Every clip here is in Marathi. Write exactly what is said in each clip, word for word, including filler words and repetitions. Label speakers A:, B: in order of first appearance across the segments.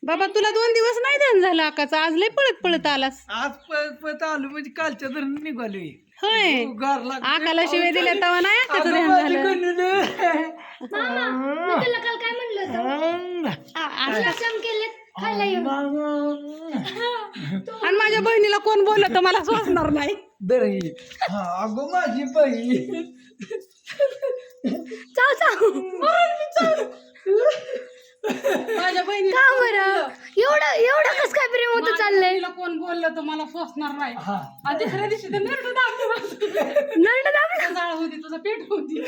A: बाबा तुला दोन दिवस नाही ध्यान झालं आकाचं, आज लय पळत पळत आलास.
B: आज पळत पळत आलो म्हणजे कालच्या धरण निघालोय.
A: होय
B: गार लागतोय.
A: आकाला शिवाय दिल्या तेव्हा नाही आकाचं
B: अगं
A: ध्यान
B: माझी
A: झालं.
B: गणुलं.
C: मामा मी तुला काल काय म्हणलं होतं गुलाबजाम केलेत खायला ये.
A: आणि माझ्या बहिणीला कोण बोललं तर मला सोचणार नाही.
B: दही हा अगं माझी बाई.
C: चाव चाव
A: माझ्या बहिणीला
C: का
A: कोण
C: बरं
A: बोललं?
C: एवढं एवढं कस काय प्रेम होतं
A: माझ्या
C: चाललंय
A: बहिणीला कोण बोललं तर मला सोचणार नाही.
B: हा
A: आणि तिसऱ्या दिवशी तर नरड दाबलं.
C: नंड दाबलं
A: जाळ होती तुझं पेट होती.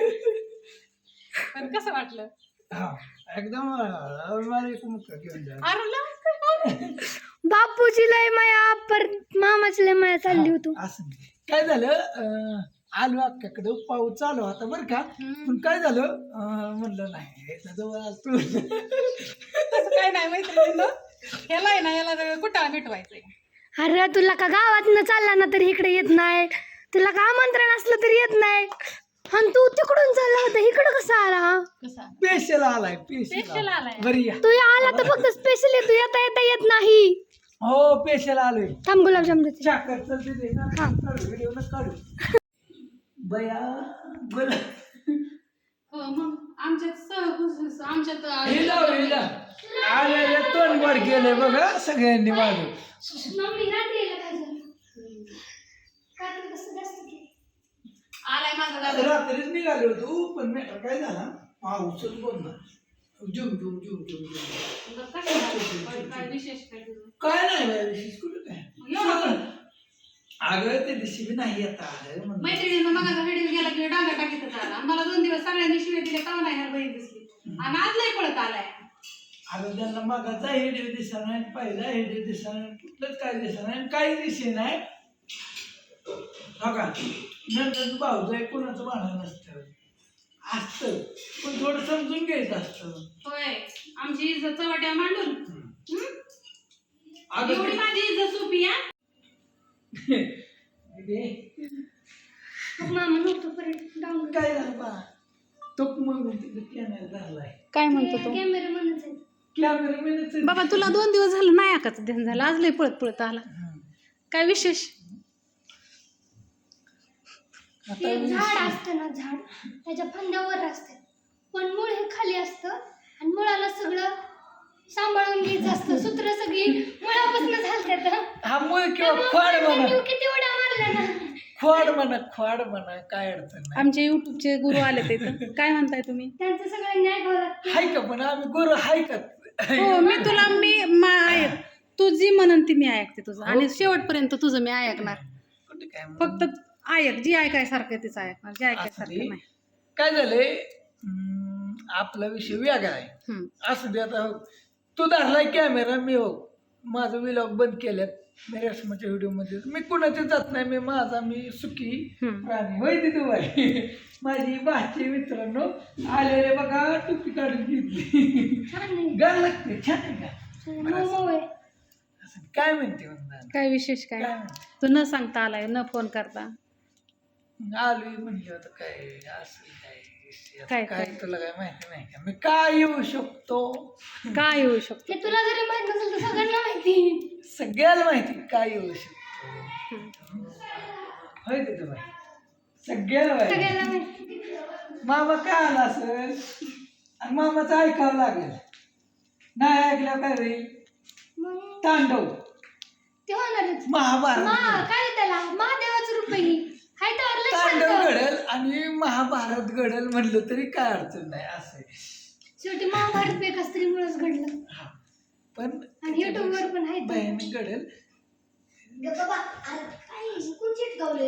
A: पण कसं वाटलं?
B: हा एकदम अं, मला एक मुक्का घेऊन जा.
A: अरे ला.
C: बापूची लय माया पर मामाची लय माया चालली होती.
B: असं नाही. काय झालं अं, आलो अक्काकडे पाऊस चालू होता बरं का. पण काय झालं अं, म्हणलं नाही याच्या जवळ आलतो.
A: तसं काय नाही मैत्रिणीनं. ह्याला आहे ना याला कुठं मिटवायचंय.
C: अरे तुला का गावात न चालला ना तरी इकडे येत नाही, तुला का आमंत्रण असलं तरी येत नाही, आणि तू तिकडून चालला होता इकडं कसा आला?
A: कसा
B: पेशल आलाय
A: पेशल
B: पेशल
A: आलाय.
B: बरी या.
C: तू आला तर फक्त स्पेशली तू येता येता येत नाही.
B: हो पेशल आलोय.
C: थांब गुलाबजाम देते.
B: चाकर चलते दे ना.
C: हा.
B: काढू व्हिडिओ न काढू. बया बोल
A: हो मग आमच्यात सहकुस आमच्यात
B: हिला हिला आलेले तोंड वर गेले बघा सगळ्यांनी वाजव.
C: मम्मी रात्री यायला काय झालं? रात्री कसं जास्त केलं?
A: आलाय माझा दादा.
B: रात्रीच निघालो होतो पण मॅटर काय झाला पाऊसच बोलणार. जुम जुम जुम जुम जुम
A: मग कसं झालं? काय विशेष काय तुझं?
B: काय नाही बाय विशेष कुठं काय
A: एवढं?
B: अगं ते दिवशी बी नाही येत आलं म्हणलं.
A: मैत्रिणीनं मगाचा व्हिडिओ गेला की डांगा टाकीतच आला. आणि मला दोन दिवस सगळ्यांनी शिवाय दिले तेव्हा नाही ह्याला बहीण दिसली. आणि आज लय पळत आलाय.
B: अगं त्यांना मागाचा हेडिओ दिसा नाही, पहिला हेडिओ दिसा नाही, कुठलंच काय दिसा नाही, काही दिसे नाही. हो का नंतर भाऊचं आहे कोणाचं भांडण नसतं असतं पण थोडं समजून घ्यायचं असतं.
A: होय आमची इज्जत चवट्या मांडून. हम्म?
B: अगं
A: एवढी माझी इज्जत सोपी आहे.
C: मग मामा नव्हतं परत डाऊन
B: काय झालं बा तो मग तिकडे कॅमेरा धरलाय.
A: काय म्हणतो तो?
C: कॅमेरामॅनच आहे.
B: कॅमेरा
A: बाबा तुला दोन दिवस झालं नाही आकाचं ध्यान झालं, आज लय पळत पळत आला. काय विशेष?
C: ते झाड असतं ना झाड त्याच्या फांद्यावर असते पण मूळ हे खाली असतं आणि मुळाला सगळं सांभाळून घ्यायचं असतं. सूत्र सगळी मुळापासून झालतात.
B: हा मूळ किंवा खोड म्हणा
C: किती उड्या मारल्या ना.
B: खोड म्हणा खोड म्हणा काय अडचण नाही.
A: आमचे युट्यूबचे गुरु आले ते इथं. काय म्हणताय तुम्ही?
C: त्यांचं सगळं न्याय घालत.
B: हाय का पण आम्ही गुरु हाय का.
A: हो मी तुला मी मा- ऐक तू जी म्हणन ती मी ऐकते तुझं आणि शेवटपर्यंत तुझं मी ऐकणार.
B: कुठे काय म्हणून.
A: फक्त ऐक जी ऐकायसारखं तीच ऐकणार, जे ऐकायसारखं नाही.
B: काय झालंय हम्म, आपला विषय वेगळा आहे.
A: हम्म.
B: असं दे आता तू धरलाय कॅमेरा मी हो माझं विलॉग बंद केल्यात मी रेशमाच्या व्हिडिओमध्ये मी कुणाच्या जात नाही मी माझा मी सुखी
A: हम्म.
B: प्राणी होय तिथू बाई. माझी भाची मित्रांनो आलेले बघा टुपी काढून घेतली.
C: छान नाही.
B: गाल लागते छान आहे का
C: मऊ आहे.
B: असं काय म्हणते म्हणतात
A: काय विशेष काय?
B: काय म्हणते
A: तू न सांगता आलाय, न फोन करता.
B: आलोय म्हणलं होतं काय असं काय विषय,
A: काय-
B: काय
A: काय?
B: तुला काय माहिती नाही का मी काय येऊ शकतो.
A: काय येऊ शकतो?
C: ते तुला जरी माहित नसेल तर सगळ्यांना माहिती.
B: सगळ्याला माहिती काय येऊ शकतो.
A: हम्म.
B: होय तिथं बाई सगळ्याला माहिती.
C: सगळ्यांना माहिती.
B: मामा काय आला असेल आणि मामाचं ऐकावं लागेल. नाही ऐकलं काय रे
C: मग
B: तांडव
C: ते होणारच.
B: महाभारत
C: मा काय त्याला महादेवाचं रूप आहे ही. हाय तर लय
B: तांडव
C: शांत.
B: घडल आणि महाभारत घडल म्हणलं तरी काय अडचण नाही असं आहे.
C: शेवटी महाभारत एका स्त्रीमुळेच घडलं.
B: हा पण
C: आणि YouTube वर पण आहे ते.
B: बहीण घडल.
C: बाबा अरे काय कोण चिटकावले.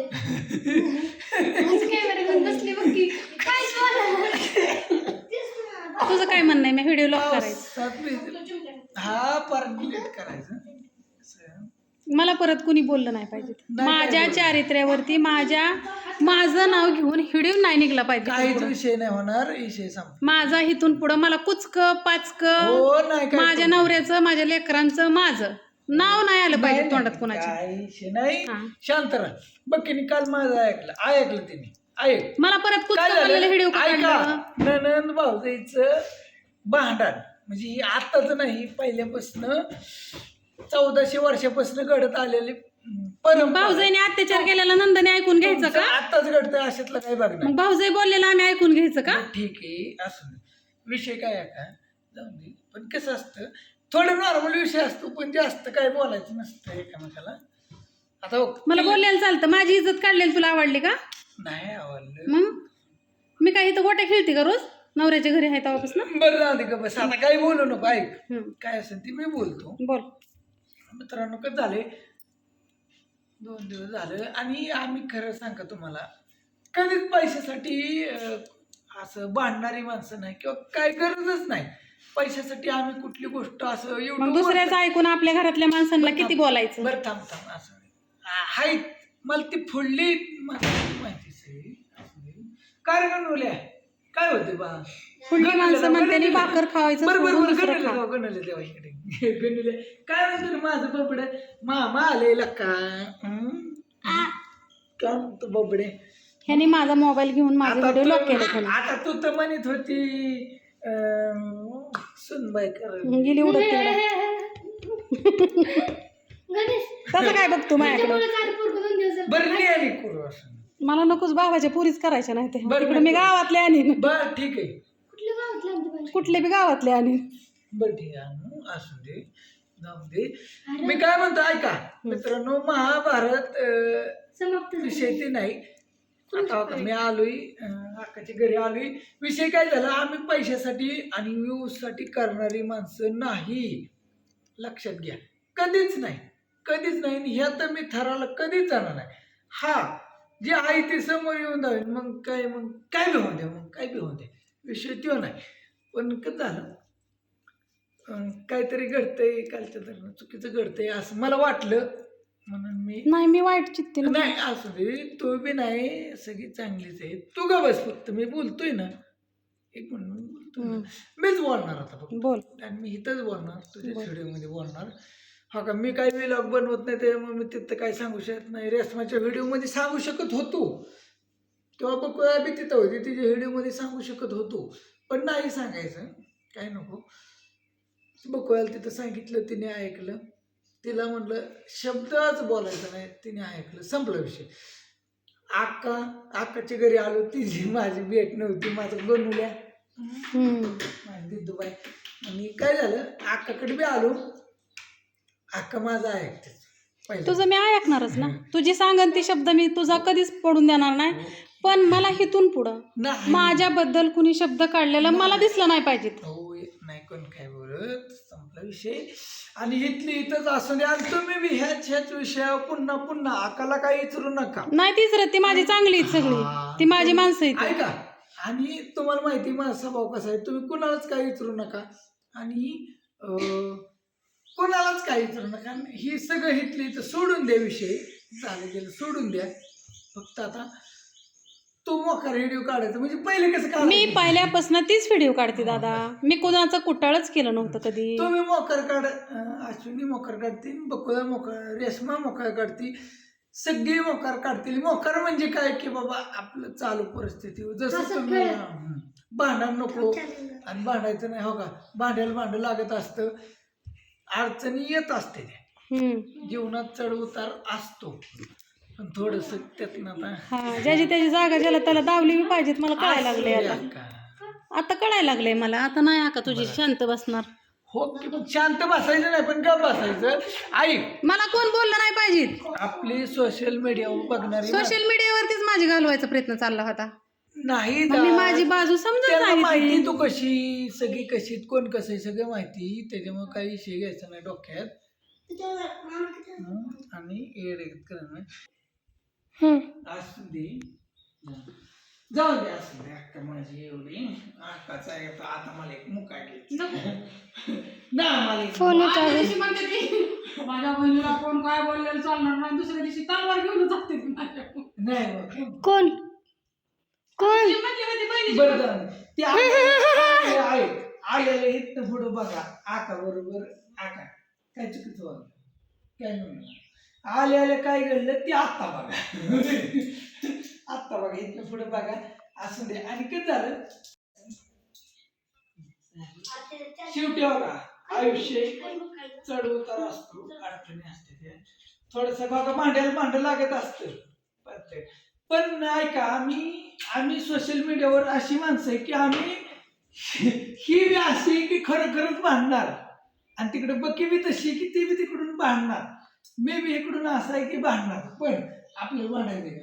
C: आज कॅमेरा घेऊन बसली बघ की काय बोला.
A: तुझं काय म्हणणं आहे? मी व्हिडिओ लॉक करायचं.
B: पावसात भिजलं. हा परत डिलीट करायचं असं.
A: मला परत कुणी बोललं नाही पाहिजे.
B: नाही काय
A: माझ्या
B: बोललं.
A: चारित्र्यावरती माझ्या माझं नाव घेऊन हिडीव नाही निघला
B: काहीच
A: पाहिजे.
B: विषय नाही होणार विषय संप
A: माझा इथून पुढं मला कुचक पाचक
B: हो नाही काय
A: माझ्या नवऱ्याचं माझ्या लेकरांचं माझं नाव नाही आलं पाहिजे
B: नाही,
A: तोंडात
B: नाही,
A: कोणाच्या.
B: काही विषय नाही
A: हा.
B: शांत राहा. बघ की काल माझं ऐकलं ऐकलं तिने ऐक
A: मला परत कुचक
B: काय
A: म्हणलेलं व्हिडिओ
B: झालं ऐका ननंद भाऊजाईचं भांडण म्हणजे ही आताच नाही पहिल्यापासून चौदाशे वर्षापासून घडत आलेली परंपरा.
A: भाऊजाईने अत्याचार केलेला नंदने ऐकून घ्यायचं
B: तुमचं
A: का?
B: आताच घडतंय अशातलं काही बघणार.
A: मग भाऊजाई बोललेला आम्ही ऐकून घ्यायचं का?
B: बरं, ठीक आहे असं नाही. विषय काय आहे का जाऊन दे. पण कसं असतं थोडं नॉर्मल विषय असतो पण जास्त काय बोलायचं नसतं एकामेकाला. आता बघ,
A: मला
B: ती-
A: बोलायला चालतं. माझी इज्जत काढलेली तुला आवडली का?
B: नाही आवडलं.
A: मग मी काय इथं गोट्या खेळते का रोज? नवऱ्याच्या घरी आहे तेव्हापासून.
B: बरं जाऊ दे का बस आता काही बोलू नको. ऐक
A: हम्म.
B: काय असेल ती मी बोलतो.
A: बोल.
B: मित्रांनो कसं झाले दोन दिवस झालं आणि आम्ही खरं सांगा तुम्हाला कधीच पैशासाठी अं, असं भांडणारी माणसं नाही किंवा काय गरजच नाही. पैशासाठी आम्ही कुठली गोष्ट असं
A: मग
B: एवढं
A: दुसऱ्याचं ऐकून आपल्या घरातल्या माणसांना किती बोलायचं?
B: बरं थांब थांब असं नाही. आ- हाय मला ती फुडली मला माहितीच आहे. असं नाही. काय गणवल्या काय होते बा
A: फुडली माणसं म्हणते भाकर खावायचं
B: बरोबर
A: सोडून
B: बरोबर
A: दुसरं
B: गणवले
A: खा.
B: जाऊ गणवले देवा इकडे गणवले काय म्हणतो रे माझं बबडे मामा आलेला का हं? काय म्हणतो बबडे
A: ह्याने माझा मोबाईल घेऊन माझा
B: आता
A: व्हिडिओ लॉक केला
B: तू
A: त्याने.
B: आता तू तर म्हणत होती अं, सुनबाई कर
A: गेली उडत तेवढं.
C: गणेश
A: तसं काय बघतो माझ्याकडे?
C: त्याच्यामुळे काय पोरगं दोन दिवस झालं.
B: बरं नाही आली करू असं
A: मला नकोच भावाच्या पुरीच करायच्या नाही ते.
B: बरं,
A: तिकडे मी गावातले आणि
B: बरं ठीक आहे
C: कुठल्या गावातलं आमच्या पाहिजे?
A: कुठले बी गावातले आणि
B: बरं ठीक आहे हं, असू दे जाऊ दे. मी काय म्हणतो ऐका मित्रांनो महाभारत अं,
C: समाप्त झालं.
B: विषय ते नाही. आता बघा, मी आलोय अं, अक्काच्या घरी आलोय. विषय काय झाला आम्ही पैशासाठी आणि व्ह्यूजसाठी करणारी माणसं नाही. लक्षात घ्या कधीच नाही कधीच नाही आणि ह्या तर मी थराला कधीच जाणार नाही. हा जे आहे ते समोर येऊन जाईल मग काय मग काय बी होऊ द्या मग काय बी होऊ द्या विषय तो नाही. पण कसं झालं अं, काहीतरी घडतंय कालच्या दरम्यान चुकीचं घडतंय असं मला वाटलं म्हणून मी
A: नाही मी वाईट चित्ते ना.
B: नाही असू दे तू बी नाही सगळी चांगलीच आहे. तू का बस फक्त मी बोलतोय ना एक म्हणून बोलतोय ना.
A: हम्म.
B: मीच बोलणार आता फक्त
A: बोल.
B: आणि मी इथंच बोलणार तुझ्या
A: बोल.
B: व्हिडिओमध्ये बोलणार. हा का मी काही व्लॉग बनवत नाही त्यामुळे मी तिथं काही सांगू शकत नाही. रेशमाच्या व्हिडिओमध्ये सांगू शकत होतो तेव्हा बघ बी तिथं होती तिच्या व्हिडिओमध्ये सांगू शकत होतो पण नाही सांगायचं काय नको. बघूयाला तिथं सांगितलं तिने ऐकलं. तिला म्हटलं शब्दच बोलायचा नाही तिने ऐकलं संपला विषय. आक्का आक्काच्या घरी आलो तिची माझी भेट नव्हती माझं बनवल्या
A: हम्म.
B: माझी दिदूबाई आणि काय झालं अक्काकडे बी आलो. अक्का माझा ऐकते पहिलं.
A: तुझं मी ऐकणारच ना. तुझी सांगन ती शब्द मी तुझा कधीच पडून देणार नाही. पण मला हिथून पुढं
B: नाही
A: माझ्याबद्दल कुणी शब्द काढलेला मला दिसलं नाही पाहिजे.
B: हो नाही कोण काय बोलत संपला विषय. आणि इथली इथंच असू द्या आणि तुम्ही बी ह्याच ह्याच विषयावर पुन्हा पुन्हा अकाला काही विचारू नका.
A: नाही तीच रे ती माझी चांगली आहेत सगळी. ती माझी माणसं आहेत.
B: ऐका आणि तुम्हाला माहिती माझा स्वभाव कसा आहे तुम्ही कुणालाच काही विचारू नका आणि अं, कुणालाच काही विचारू नका. ही सगळं इथली इथं सोडून द्या विषय झालं गेलं सोडून द्या. फक्त आता तो मोकार व्हिडिओ काढायचा म्हणजे पहिले कसं
A: मी
B: काढायचं
A: पहिल्यापासून तीच व्हिडिओ काढते दादा. मी कोणाचं कुटाळच केलं नव्हतं कधी.
B: तुम्ही मोकर काढ अं, अश्विनी मोकर काढते बकुळा मोकर रेशमा मोकर काढते सगळी मोकार काढतील. मोकार म्हणजे काय की बाबा आपलं चालू परिस्थिती जसं
C: असं
B: तुम्ही
C: खेळ.
B: हं, भांडण नको आणि भांडायचं नाही हो का. भांड्याला भांडं लागत असतं अडचणी येत असते त्या
A: हम्म.
B: जीवनात चढ उतार असतो पण थोडस त्यातनं आता
A: हा ज्याची त्याची जागा ज्याला त्याला दावली बी पाहिजेत. मला कळायला लागले
B: असू द्या
A: आता
B: का.
A: आता कळायला लागलंय मला. आता नाही आका तुझी शांत बसणार.
B: हो की मग शांत बसायचं नाही पण गप बसायचं. ऐक
A: मला कोण बोललं नाही पाहिजे.
B: आपली सोशल मीडियावर बघणारी
A: सोशल मीडियावरतीच माझी घालवायचा प्रयत्न चालला होता.
B: नाही
A: मग मी
B: दा.
A: माझी बाजू समजून
B: त्याला माहिती
A: सांगितली.
B: तू कशी सगळी कशी कोण कसं आहे सगळं माहिती त्याच्यामुळे काही विषय घ्यायचा नाही डोक्यात हं? आणि येड करणं
C: हम्म.
B: असू दे जाऊ दे असू दे अक्का माझी एवढी अक्काचा आहे तर आता मला एक मुका घ्यायची ना मला एक
C: फोन येतो
A: आदल्या
C: आहे.
A: दिवशी म्हणते ती, माझ्या बहिणीला कोण काय बोललेलं चालणार नाही. दुसऱ्या दिवशी तलवार घेऊन जाते ती माझ्याकडून.
B: नाही बघ.
C: कोण कोण
A: ती म्हणली होती बहिणीची
B: बरं जाऊ दे. ती आ- आहे आलेलं इथनं पुढं बघा आका बरोबर आका काय चुकीचं वागलं काय म्हणून आले आले काय घडलं ते आत्ता बघा आत्ता बघा इथनं पुढं बघा असू दे. आणि कसं झालं शेवटी बघा आयुष्य चढ उतार असतो, अडचणी असते ते थोडस बघा भांड्याला भांड लागत असतं प्रत्येक. पण ऐका आम्ही आम्ही सोशल मीडियावर अशी माणसं आहे की आम्ही ही बी अशी आहे की खरं खरंच भांडणार आणि तिकडे बकी बी तशी की ती बी तिकडून भांडणार, मी बी इकडून असं आहे की भांडणार. पण आपल्याला भांडायचं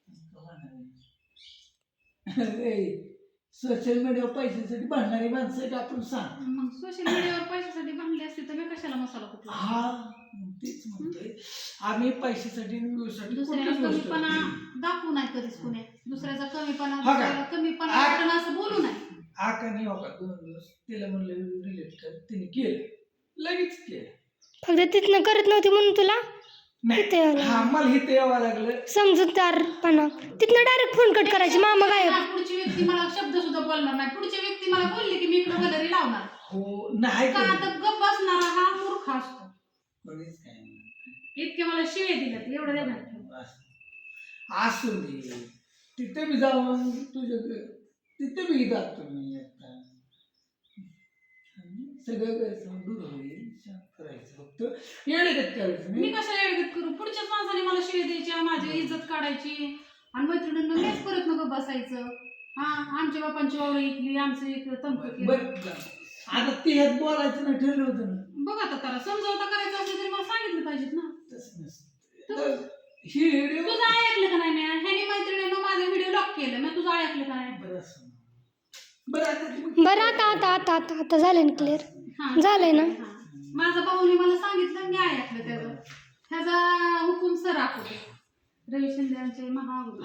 B: काय सोशल मीडियावर पैशासाठी भांडणारी माणसं आहेत आपण सांग.
A: मग सोशल मीडियावर पैशासाठी भांडले असते तर मी कशाला मसाला कुठला.
B: हा तेच म्हणतोय आम्ही पैशासाठी व्यवसायासाठी
A: दुसऱ्याला
B: कुठलीच गोष्ट
A: कमीपणा दाखवू नाही कधीच कुणी, दुसऱ्याचा कमीपणा
B: हा का?
A: दुसऱ्याला कमीपणा
B: आ-
A: वाटणं असं बोलू नाही.
B: आकाने होका दोन दिवस तिला म्हणलं रिलेट कर, तिने केलं लगेच केलं.
C: फक्त तिथनं करत नव्हती म्हणून तुला इथे
B: नाही
C: यावं
B: हा मला इथे यावं लागलं.
C: समजूतदारपणा. तिथनं डायरेक्ट फोन कट करायची मामा गायब.
A: हा, पुढची व्यक्ती मला शब्द सुद्धा बोलणार नाही. पुढची व्यक्ती मला बोलली की मी इकडे गॅलरी लावणार
B: हो नाही
A: का,
B: केलं.
A: आता गप्प बसणारा हा मूर्ख असतो.
B: कोणीच काय नाही.
A: इतके मला शिवे दिल्यात एवढं देणार ठेव.
B: असं- असू दे तिथे मी जाऊन तुझ्या तिथे मी जातो मी आता सगळं गैरसमज दूर होईल, शांत करायचं फक्त येडगत करायचं
A: मी
B: नाही.
A: कशाला एडगत करू, पुढच्याच माणसाने मला शिवे द्यायच्या, माझी इज्जत काढायची आणि मैत्रिणींना मीच परत नको बसायचं. हा आमच्या बापांची वावरं इकली, आमचं इकडं तंपू केलं.
B: बरं आता ती ह्यात बोलायचं नाही ठरलं होतं ना.
A: बघ आता करा, समजावता करायचं असेल तरी मला सांगितलं पाहिजेत ना.
B: तसं नसतं तर ही व्हिडिओ
A: तुझं ऐकलं का नाही मी, ह्याने मैत्रिणीनं माझे व्हिडिओ लॉक केले, मी तुझं ऐकलं का नाही.
B: बरं असं बरं आता तुम्ही-
C: बरं आता आता आता आता आता झालंय ना क्लिअर.
A: हा,
C: झालंय ना.
A: हा. माझा भाऊने मला सांगितलं, मी ऐकलं त्याचं. ह्याचा हुकूम सर होते रवी शिंदे महागुरु.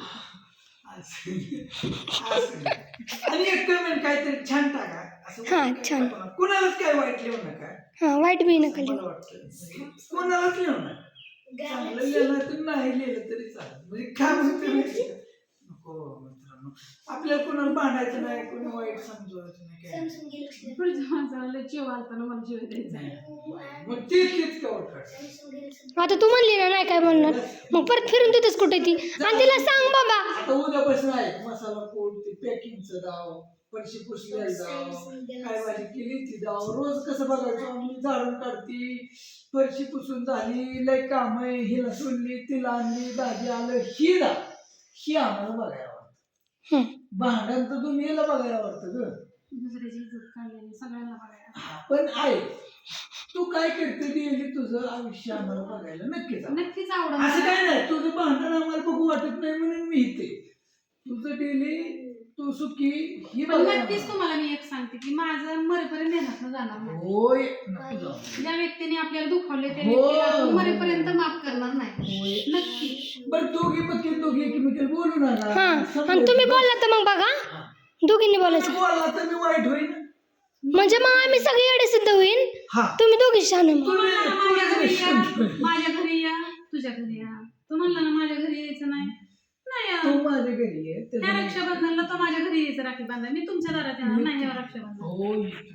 B: असं असं. आणि एक कमेंट काहीतरी छान टाका असं.
C: हा, छान.
B: कुणालाच काय वाईट लिहू नका.
C: हा वाईट बी नका लिहू.
B: मला वाटतं कोणालाच लिहू नका. चांगलं लिहिलं तर नाही लिहिलं तरी चालेल. म्हणजे काय म्हणतो माहिती का? नको मित्रांनो आपल्याला कोणाला भांडायचं नाही, कोणी वाईट समजवायचं नाही काय
A: पुढच्या माणसाला चिव आलताना मला शिव द्यायचा.
B: नाही. मग तीच तीच कवर कर.
C: आता तू म्हणली ना नाही काय म्हणणार, मग परत फिरून तिथेच कुठे ती आणि तिला सांग बाबा.
B: आता उद्यापासून आहे मसाला पोट ते पॅकिंगचं डाव, पैसे पुसलेलं डाव, काय भाजी केली ती डाव, रोज कसं बघायचं आम्ही झाडून काढती, फरशी पुसून झाली, लय काम आहे, हिला सोडली तिला आणली, दाजी आलं, ही डाव ही आम्हाला बघायला आवडतं. भांडण तर तुम्ही याला बघायला आवडतं ग,
A: दुसऱ्याची इज्जत काढलेली सगळ्यांना बघायला.
B: हा, पण आहे तू काय करते गेली तुझं आयुष्य आम्हाला बघायला नक्कीच आवडेल.
A: नक्कीच आवडत.
B: असं काय नाही तुझं भांडण आम्हाला बघू वाटत नाही म्हणून मी इथे तुझं डेली तू सुखी ही
A: पण
B: बघायला
A: नक्कीच तुम्हाला मी एक सांगते की माझं मरेपर्यंत देण्यात जाणार नाही.
B: होय नको जाऊ.
A: ज्या व्यक्तीने आपल्याला दुखावले त्या
B: हो.
A: व्यक्तीला आपण मरेपर्यंत माफ करणार नाही.
B: होय.
A: नक्की.
B: बरं दोघी पक्की दोघी एकमेकाला बोलू नका.
C: हा आणि
B: समजायचं.
C: तुम्ही बोलला तर मग बघा
B: हा.
C: दोघींनी
B: तुम्ही
C: बोलायचं
B: बोलला तर मी वाईट होईन.
C: म्हणजे मग आम्ही सगळे एवढे सिद्ध होईल.
B: हा
C: तुम्ही दोघी शहाणे मग.
B: तुम्ही-
A: माझ्या घरी या,
B: तुम्ही-
A: माझ्या घरी या, तुझ्या घरी या. तू म्हणला ना माझ्या घरी यायचं नाही, नाही या.
B: तू माझ्या घरी आहे
A: त्या
B: त्याचं-
A: रक्षाबंधनला तो माझ्या घरी यायचं राखी बांधा, मी तुमच्या दारात येणार नाही या रक्षाबंधन.
B: हो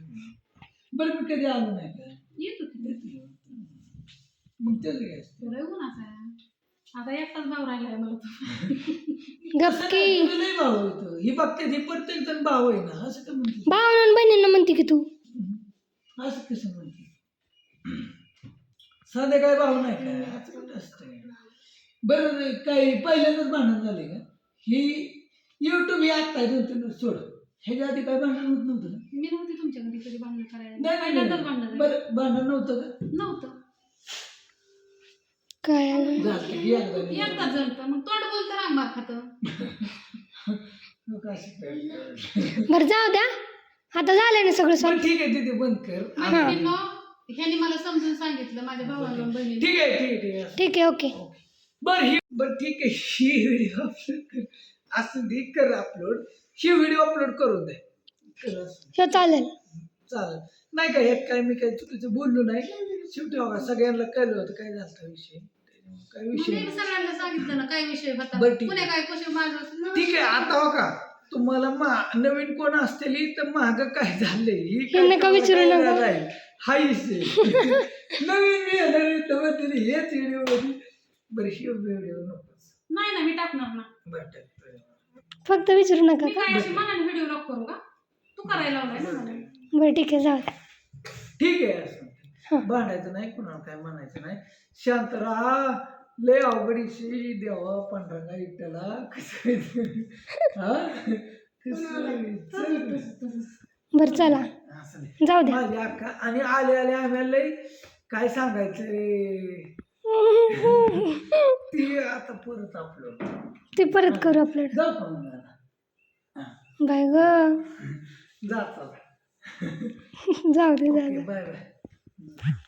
B: बरं मी कधी आलो नाही का
A: येतो तिथे.
B: मग त्याचं काय असतं?
A: तुला येऊन असा आता एकटाच भाव राहिलाय मला तो.
C: गपकी
B: तुला लय भाव येतो ही बघते ही प्रत्येक जण भाव आहे ना असं का म्हणते
C: भावना बहिणींना म्हणते की तू
B: असं कसं म्हणते साधे काय भाव नाही काय असं कुठं असतं बरं काही पहिल्यांदाच भांडण झाले का ही युट्यूब ही आत्ता दोन सोड ह्याच्या आधी काय भांडण होत नव्हतं ना
A: मी नव्हती तुमच्या घरी कधी भांडण करायला.
B: नाही नाही
A: पहिल्यांदाच
B: नाही
A: भांडण झालं.
B: बरं भांडण नव्हतं का
A: नव्हतं.
C: काय
B: झालं की एकदा मी-
A: एकदाच झालं मग तोंड बोलतं रांगबार खातं.
B: लोकं अशी करतात.
C: बरं जाऊ द्या आता झालं ना सगळं
B: बरं
C: सॉल्व.
B: ठीक आहे तिथे बंद कर
A: मैत्रिणींनो, ह्याने मला समजून सांगितलं माझ्या भावाला आणि बहिणीला.
B: ठीक आहे ठीक आहे ठीक आहे
C: ठीक आहे ओके.
B: बर ही बर ठीक आहे ही व्हिडिओ अपलोड कर असं दे कर अपलोड ही व्हिडिओ अपलोड करून दे कर असं.
C: हो चालेल.
B: चालेल नाही का ह्यात काय मी काही चुकीचं बोललो नाही शेवटी बघा सगळ्यांना कळलं होतं काय झालं विषय काय
A: मग
B: विषय
A: मी
B: नाही.
A: सगळ्यांना सांगितलं ना काय विषय होता,
B: बरं, ठीक
A: पुणे
B: आहे.
A: काय कसे माझं.
B: ठीक आहे आता हो का तुम्हाला मा नवीन कोण असतेली तर माग काय झालंय ही
C: हे नका विचारू
B: काय
C: नका.
B: झालंय? हा विषय नवीन मी येणार तर तरी हेच व्हिडिओ मध्ये बरं ही व्हिडिओ नकोच
A: नाही ना मी टाकणार ना.
B: बरं टाकतोय.
C: फक्त विचारू नका
A: मी
C: का.
A: काय अशी मनाने व्हिडिओ लॉक करू का, तू करायला लावलाय ना मला.
C: बरं ठीक आहे जाऊ दे.
B: ठीक आहे
C: हा.
B: असं भांडायचं नाही कुणाला काय म्हणायचं नाही शांत राहा लय अवघडीशी देवा पांढरा इट्याला कसं हा कसं चल.
C: बरं चला
B: असं नाही.
C: जाऊ दे.
B: माझी अक्का आणि आले आले आम्हाला लय काय सांगायचं रे ती आता परत आपलं
C: ते परत करू आपल्याला.
B: जाऊ का मग आता?
C: बाय ग
B: जातो
C: जाऊ दे जाऊ दे.
B: Bye bye